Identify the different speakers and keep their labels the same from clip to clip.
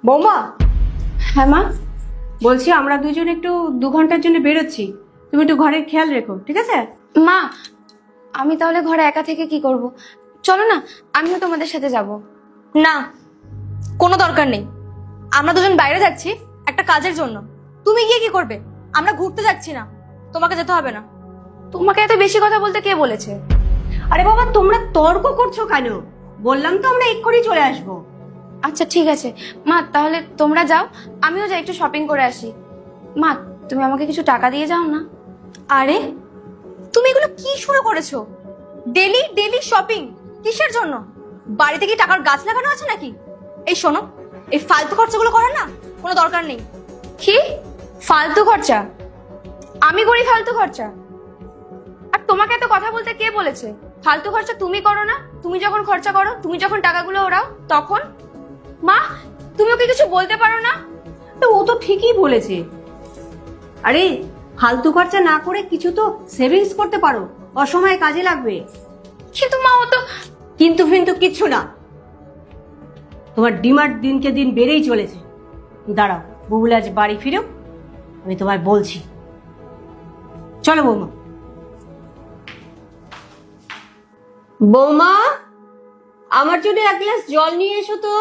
Speaker 1: বৌমা,
Speaker 2: হ্যাঁ মা।
Speaker 1: বলছি আমরা দুজন একটু 2 ঘন্টার জন্য বেরোচ্ছি, তুমি একটু ঘরের খেয়াল রেখো, ঠিক আছে?
Speaker 2: মা, আমি তাহলে ঘরে একা থেকে কি করব? চলো না, আমিও তোমাদের সাথে যাব।
Speaker 3: না, কোনো দরকার নেই। আমরা দুজন বাইরে যাচ্ছি একটা কাজের জন্য। তুমি গিয়ে কি করবে? আমরা ঘুরতে যাচ্ছি না, তোমাকে যেতে হবে না।
Speaker 2: তোমাকে এত বেশি কথা বলতে কে বলেছে?
Speaker 1: আরে বাবা, তোমরা তর্ক করছো কেন? বললাম তো আমরা এক্ষুনি চলে আসবো।
Speaker 2: আচ্ছা ঠিক আছে মা, তাহলে তোমরা যাও, আমিও যাই একটু শপিং করে আসি। মা, তুমি আমাকে কিছু টাকা দিয়ে যাও না।
Speaker 3: আরে তুমি এগুলো কি শুরু করেছো? ডেলি ডেলি শপিং কিসের জন্য? বাড়িতে কি টাকার গাছ লাগানো আছে নাকি? এই শোনো, এই ফালতু খরচাগুলো করার না কোনো দরকার নেই।
Speaker 2: কি ফালতু খরচা? আমি করি ফালতু খরচা? আর তোমাকে এত কথা বলতে কে বলেছে? ফালতু খরচা তুমি করো না? তুমি যখন খরচা করো, তুমি যখন টাকাগুলো ওড়াও তখন। মা, তুমি ওকে কিছু বলতে পারো না?
Speaker 1: তো ও তো ঠিকই বলেছে। আরে ফালতু খরচা না করে কিছু তো সেভিংস করতে পারো, অসময়ে কাজে লাগবে।
Speaker 2: কিন্তু মা, ও তো।
Speaker 1: কিন্তু ফিন্তু কিচ্ছু না, তোমার ডিমান্ড দিনকে দিন বেড়েই চলেছে। দাঁড়াও, বুবুল আজ বাড়ি ফিরেও আমি তোমায় বলছি। চলো বৌমা। বৌমা, আমার জন্য 1 গ্লাস জল নিয়ে এসো তো।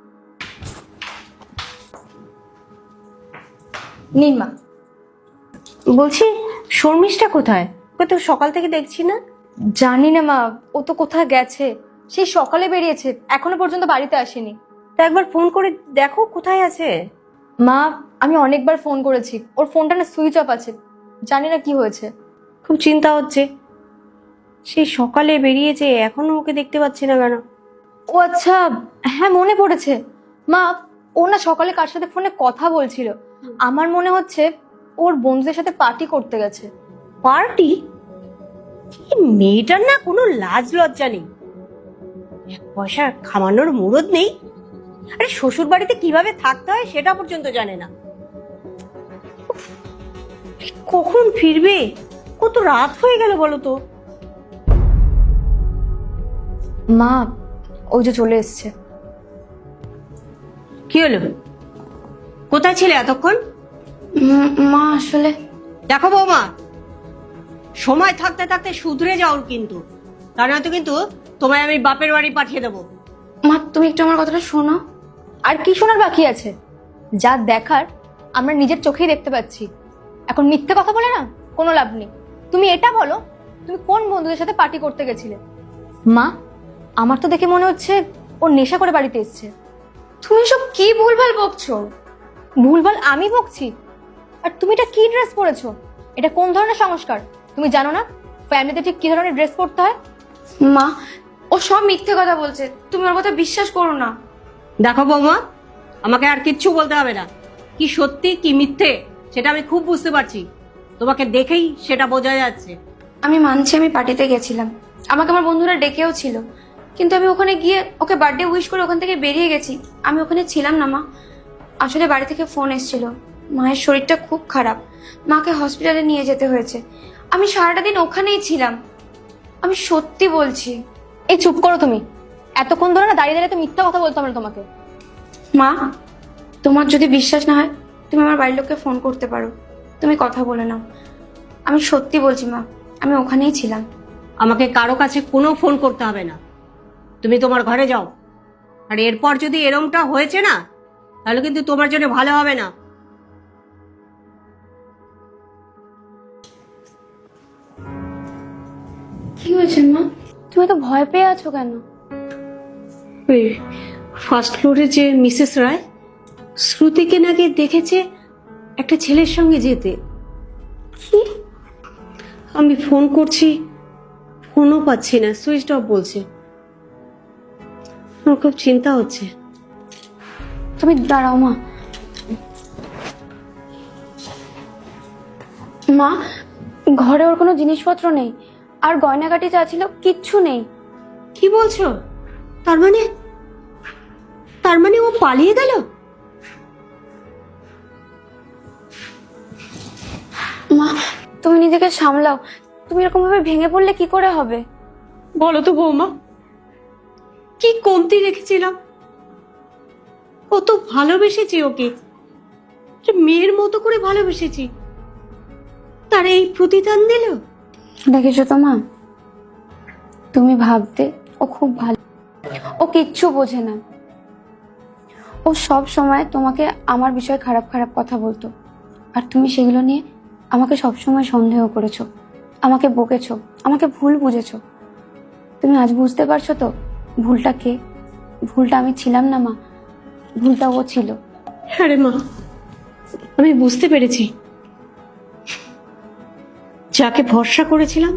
Speaker 2: নিন মা।
Speaker 1: বলছি, শর্মিষ্ঠা কোথায়? ওকে তো সকাল থেকে দেখছি না।
Speaker 2: জানি না মা, ও তো কোথায় গেছে। সেই সকালে বেরিয়েছে, এখনো পর্যন্ত বাড়িতে আসেনি।
Speaker 1: তা একবার ফোন করে দেখো কোথায় আছে।
Speaker 2: মা, আমি অনেকবার ফোন করেছি, ওর ফোনটা না সুইচ অফ আছে। জানি না কি হয়েছে।
Speaker 1: খুব চিন্তা হচ্ছে, সেই সকালে বেরিয়েছে এখনো ওকে দেখতে পাচ্ছি না কেন।
Speaker 2: ও আচ্ছা, হ্যাঁ মনে পড়েছে। মা, ও না সকালে কার সাথে ফোনে কথা বলছিল। আমার মনে হচ্ছে ওর বন্ধুদের সাথে পার্টি করতে গেছে।
Speaker 1: পার্টি? মেয়েটার না কোনো লাজ লজ্জা নেই, 1 পয়সা খামানোর মুরদ নেই। আরে শ্বশুর বাড়িতে কিভাবে থাকতে হয় সেটা পর্যন্ত জানে না। উফ, কখন ফিরবে? কত রাত হয়ে গেল বলো তো।
Speaker 2: মা, ওই যে চলে এসছে।
Speaker 1: কি হলো? কোথায় ছিলে এতক্ষণ?
Speaker 2: মা আসলে।
Speaker 1: দেখো বৌমা, সময় থাকতে থাকতে শুধরে যাও কিন্তু, তা নয়তো কিন্তু তোমায় আমি বাপের বাড়ি পাঠিয়ে দেবো।
Speaker 2: মা, তুমি একটু আমার কথাটা শোনো। আর কি শোনার বাকি আছে? যা দেখার আমরা নিজের চোখেই দেখতে পাচ্ছি। এখন মিথ্যে কথা বলে না কোনো লাভ নেই। তুমি এটা বলো, তুমি কোন বন্ধুদের সাথে পার্টি করতে গেছিলে? মা, আমার তো দেখে মনে হচ্ছে ও নেশা করে বাড়িতে এসছে। তুমি সব কি ভুলভাল বকছো? ভুলভাল আমি বকছি? আর তুমি এটা কি ড্রেস পরেছো? এটা কোন ধরনের সংস্কার? তুমি জানো না ফ্যামিলিতে ঠিক কি ধরনের ড্রেস পরতে হয়? মা, ও সব মিথ্যে কথা বলছে, তুমি ওর কথা বিশ্বাস করো না।
Speaker 1: দেখো বৌমা, আমাকে আর কিচ্ছু বলতে হবে না। কি সত্যি কি মিথ্যে সেটা আমি খুব বুঝতে পারছি, তোমাকে দেখেই সেটা বোঝা যাচ্ছে।
Speaker 2: আমি মানছি আমি পার্টিতে গেছিলাম, আমাকে আমার বন্ধুরা ডেকেও ছিল, কিন্তু আমি ওখানে গিয়ে ওকে বার্থডে উইশ করে ওখান থেকে বেরিয়ে গেছি। আমি ওখানে ছিলাম না মা। আসলে বাড়ি থেকে ফোন এসেছিল, মায়ের শরীরটা খুব খারাপ, মাকে হসপিটালে নিয়ে যেতে হয়েছে। আমি সারাটা দিন ওখানেই ছিলাম, আমি সত্যি বলছি। এই চুপ করো তুমি, এতক্ষণ ধরে না দাঁড়িয়ে দাঁড়িয়ে তো মিথ্যা কথা বলতে হবে না তোমাকে। মা, তোমার যদি বিশ্বাস না হয় তুমি আমার বাড়ির লোককে ফোন করতে পারো, তুমি কথা বলে নাও। আমি সত্যি বলছি মা, আমি ওখানেই ছিলাম।
Speaker 1: আমাকে কারো কাছে কোনো ফোন করতে হবে না, তুমি তোমার ঘরে যাও। আর এরপর যদি এরমটা হয়েছে না, তাহলে কিন্তু তোমার জন্য ভালো হবে না।
Speaker 2: কি হয়েছে মা? তুমি তো ভয় পেয়ে আছো কেন?
Speaker 1: ফার্স্ট ফ্লোরে যে মিসেস রায়, শ্রুতিকে নাকি দেখেছে একটা ছেলের সঙ্গে যেতে।
Speaker 2: কি?
Speaker 1: আমি ফোন করছি, ফোনও পাচ্ছি না, সুইচ অফ বলছে। আমার খুব চিন্তা হচ্ছে।
Speaker 2: তুমি দাঁড়াও মা। মা, ঘরে ওর কোনো জিনিসপত্র নেই, আর গয়নাগাটি যা ছিল কিচ্ছু নেই।
Speaker 1: কি বলছো? তার মানে ও পালিয়ে গেল?
Speaker 2: মা, তুমি নিজেকে সামলাও, তুমি এরকম ভাবে ভেঙে পড়লে কি করে হবে?
Speaker 1: বলো তো বৌমা, কি কমতি রেখেছিলাম? কত ভালোবেসেছি ওকে, একটা মেয়ের মতো করে ভালোবেসেছি, তার এই প্রতিদান দিল।
Speaker 2: দেখেছো তো মা, তুমি ভাবতে ও খুব ভালো, ও কিচ্ছু বোঝে না। ও সব সময় তোমাকে আমার বিষয়ে খারাপ খারাপ কথা বলতো, আর তুমি সেগুলো নিয়ে আমাকে সব সময় সন্দেহ করেছো, আমাকে বকেছো, আমাকে ভুল বুঝেছো। তুমি আজ বুঝতে পারছো তো ভুলটা কে? ভুলটা আমি ছিলাম না মা, ভুলটা ও ছিল।
Speaker 1: হ্যাঁ রে মা, আমি বুঝতে পেরেছি। যাকে ভরসা করেছিলাম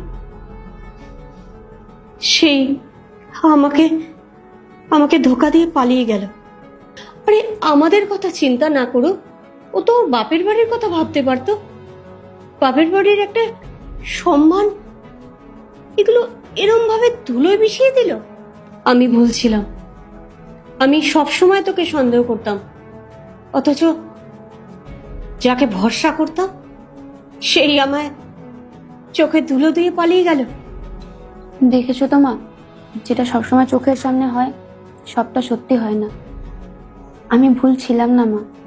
Speaker 1: সেই আমাকে আমাকে ধোকা দিয়ে পালিয়ে গেল। আরে আমাদের কথা চিন্তা না করুক, ও তো ওর বাপের বাড়ির কথা ভাবতে পারতো। বাপের বাড়ির একটা সম্মান, এগুলো এরম ভাবে ধুলোয় মিশিয়ে দিল। আমি ভুলছিলাম, আমি সব সময় তোকে সন্দেহ করতাম, অথচ যাকে ভরসা করতাম সেই আমায় চোখে ধুলো দিয়ে পালিয়ে গেল।
Speaker 2: দেখেছো তো মা, যেটা সবসময় চোখের সামনে হয় সবটা সত্যি হয় না। আমি ভুল ছিলাম না মা,